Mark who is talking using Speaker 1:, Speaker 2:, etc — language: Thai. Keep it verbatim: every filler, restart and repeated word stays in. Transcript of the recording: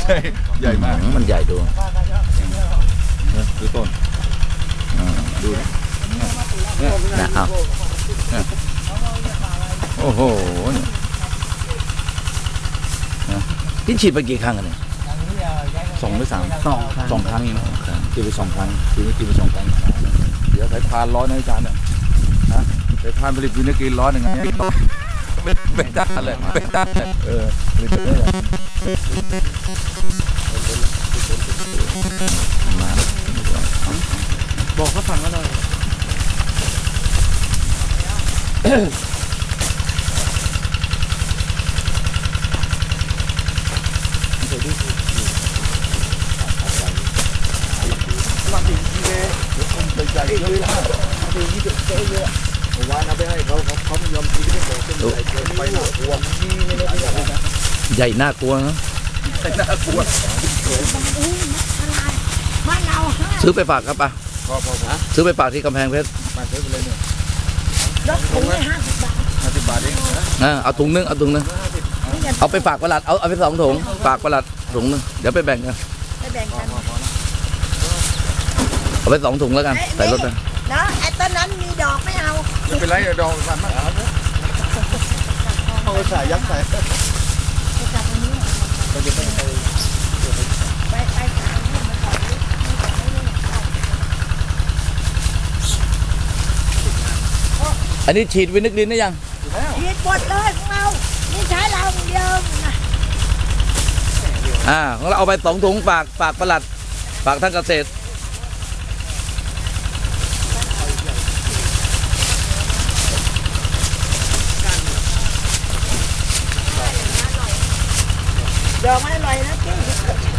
Speaker 1: ใช่ใหญ่มาก
Speaker 2: มันใหญ่ดู
Speaker 1: ดูต้นดูนะ
Speaker 2: เอาโอ้โหพี่ฉีดไปกี่ครั้งกันเนี่ยสองหรือสามสองสองครั้งเองตีไปสองครั้งตีนี้ตีไปสองครั้งเดี๋ยวสายพานร้อนนะอาจารย์เนี่ยนะสายพานผลิตวินาทีร้อนหนึ่งไงไม่ไม่ได้เลยไม่ได้เออผลิตได้เลยมา
Speaker 3: บอกเขาสั่งก็ได้มาถึงที่เลยคนใจใจเยอะแล้วมาถึงที่เจ๊เยอะวานเอาไปให้เขาเขาเขาไม่ยอมกินไม่บอกเป็นใจเกินไปหนักกลัวนี่ไม่ได้ไม่ได้
Speaker 2: ใหญ่น่ากลัวนะ
Speaker 1: ใหญ่น่ากลัว
Speaker 2: ซื้อไปฝากครับป่ะซื้อไปฝากที่กำแพงเพชร
Speaker 1: มาซื้อไปเลยเนี่ย
Speaker 4: รถถุงเลยห้าสิบบาท
Speaker 1: ห้าสิบบาทเอง
Speaker 2: นะเอาถุงนึงเอาถุงนึงเอาไปฝากประหลัดเอาเอาไปสองถุงฝากประหลัดถุงนึงเดี๋ยวไปแบ่งกัน
Speaker 4: ไปแบ่งกัน
Speaker 2: เอาไปสองถุงแล้วกันใส่รถไป
Speaker 4: นะไอ้ต้นนั้นมีดอกไม่เอา
Speaker 1: ไม่เป็นไรดอกมันมากเอาใส่ยัดใส่ไปจะไป
Speaker 4: ไปไปขายให้มันก่อน
Speaker 2: อันนี้ฉีดวินิกลินได้ยัง
Speaker 4: ฉีดหมดเลยของเรานี่ใช้เราเดียวนะ
Speaker 2: อ่าของเราเอาไปสองถุงฝากฝากประหลัดฝากท่านเกษตร
Speaker 4: ดอกมันอร่อยนะพี่